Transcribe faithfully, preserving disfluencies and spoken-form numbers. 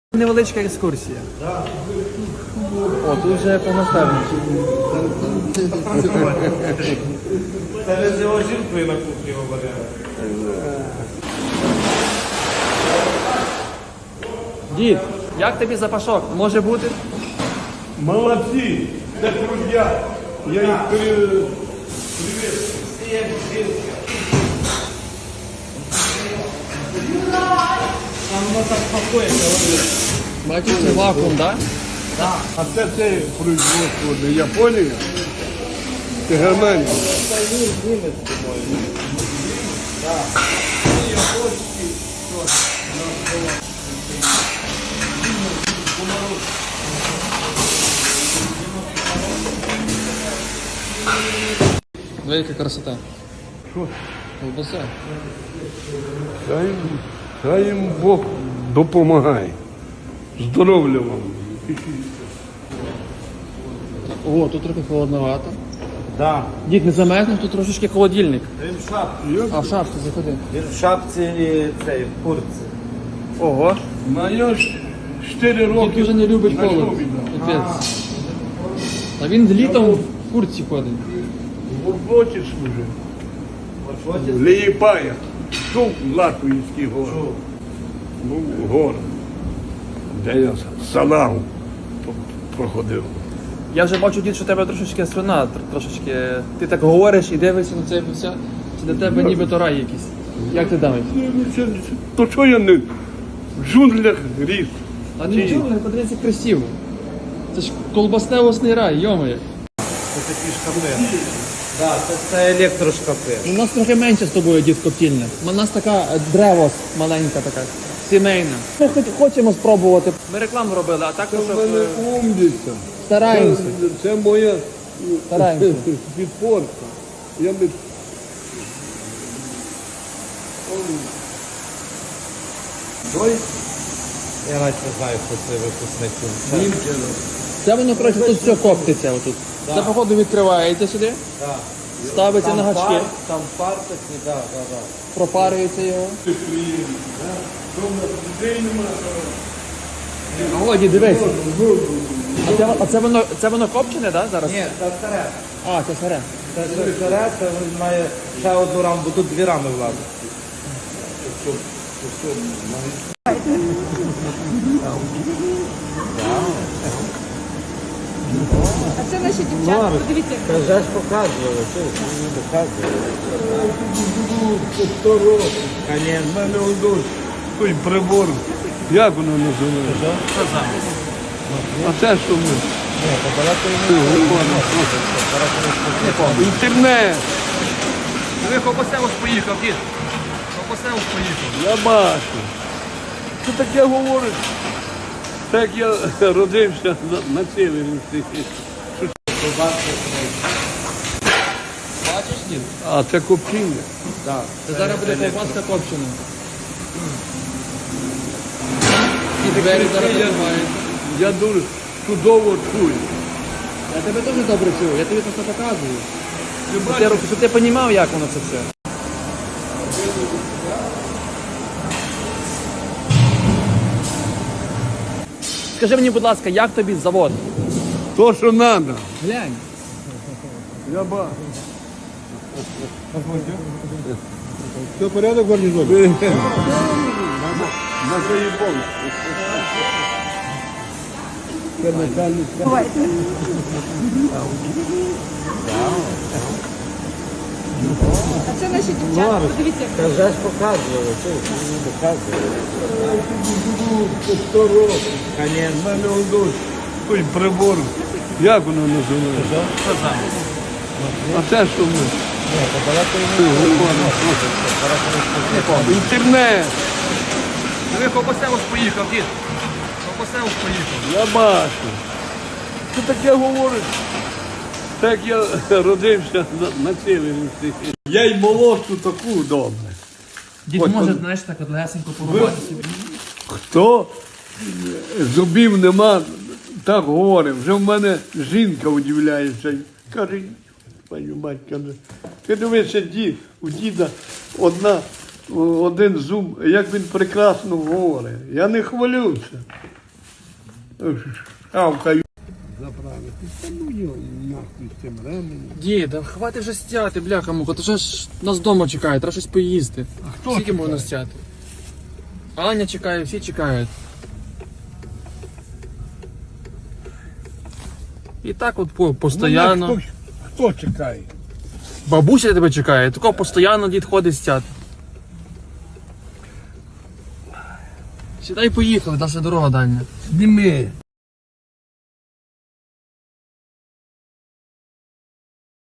Невеличка екскурсія. О, тут вже повноставніше. Це не з його жінкою на кухні говорили. Дід, як тобі запашок? Може бути? Молодці, це трудя. Я їх привіз. Бачиш, це вакуум, так? А це це производство не Японія, це Германія. Велика красота. Що? Колбаса. Хай, хай їм Бог допомагає. Здоров'я вам. О, тут трохи холодновато. Да. Дід, не замерзнеш, тут трошечки холодильник. Він в шапці. А в шапці заходи. Він в шапці і цей, в куртці. Ого. Моя ж чотири Дід роки. дуже не любить на холод. що віддав? Капець. А він літом в куртці ходить. В роботі служив. Ліїпая. Чув Латвійський гор. Ну, гор. Де я салагу проходив. Я вже бачу, дід, що у тебе трошечки слюна, тр- трошечки. Ти так говориш і дивишся на це все. Це для тебе нібито рай якийсь. Як ти думаєш? Це- це- То що я не в джунглях ріс? А нічого, не подивіться красиво. Це ж колбасневосний рай, йомає. Це такі шкафи. Да, це, це електрошкафи. У нас трохи менше з тобою, дід, коптільня. У нас така е, древос маленька така, сімейна. Ми хоч хочемо спробувати. Ми рекламу робили, а так Це щоб в мене е, умниця. стараємося. Це, це моя Стараємося. підпорка. Я не... Той Я навіть не знаю, хто це випускник. Німчина. Це воно, коротше, тут все коптиться отут. Це, походу, відкривається сюди, Да. ставиться на гачки, пар, там пар такий, да, да, да. пропарюється його. Дома людей нема. О, дід, дивись. А це, а це воно, це воно копчене, да, зараз? Ні, це старе. А, це сире. Це ще старе, це він має ще одну раму, бо тут дві рами влазить. А це наші дівчата, подивіться. Це вже ж показували, що ж мені показували. Це сто років. У Конечно. мене одось той прибор. Як воно називається? Що за? А це що ми? Ні, то балакає не Інтернет. Ви Копосевич поїхав, дід. Копосевич поїхав. Я бачу. Що таке говорить? Так я родився на, на севері. Бачиш, дід? А це копчиння. Так. Це зараз буде ковбаска копчена. І двері зараз відкриваються. Я дуже чудово чую. Я тебе теж добре чую, я тобі просто показую. Ти Щоб ти, бачиш, щоб ти розумів, як воно це все. Скажи мені, будь ласка, як тобі завод? то, що треба. Глянь. Я бачу. Все порядок в гарнізоні? На заїбон. А це наші дівчата, подивіться. Це вже ж показували, що ж мені показували. Це сто років. У Конечно. мене одось той прибор. Як воно називається? Що за? А це що ми? Ні, то балакає не Інтернет. Ви Копосевич поїхав, дід. Копосевич поїхав. Я бачу. Що таке говорить? Так я родився на, на севері. Я й молодшу таку добре. Дід Ось, може, от- знаєш, так от лесенько порубати собі. Хто зубів нема, так говорить. Вже в мене жінка удивляється. Каже, пані мать, каже, ти дивишся, дід, у діда одна, один зуб, як він прекрасно говорить. Я не хвалюся. шавкаю. Заправити. Та ну його нахуй з цим ременем. Дід, да хватить вже стяти, бляха муха, то вже ж нас вдома чекає, треба щось поїсти. А хто Скільки чекає? можна стяти? Аня чекає, всі чекають. І так от по, постоянно. Мене Хто, хто чекає? Бабуся тебе чекає, такого постійно дід ходить стяти. Сідай, поїхали, наша дорога дальня. Зніми.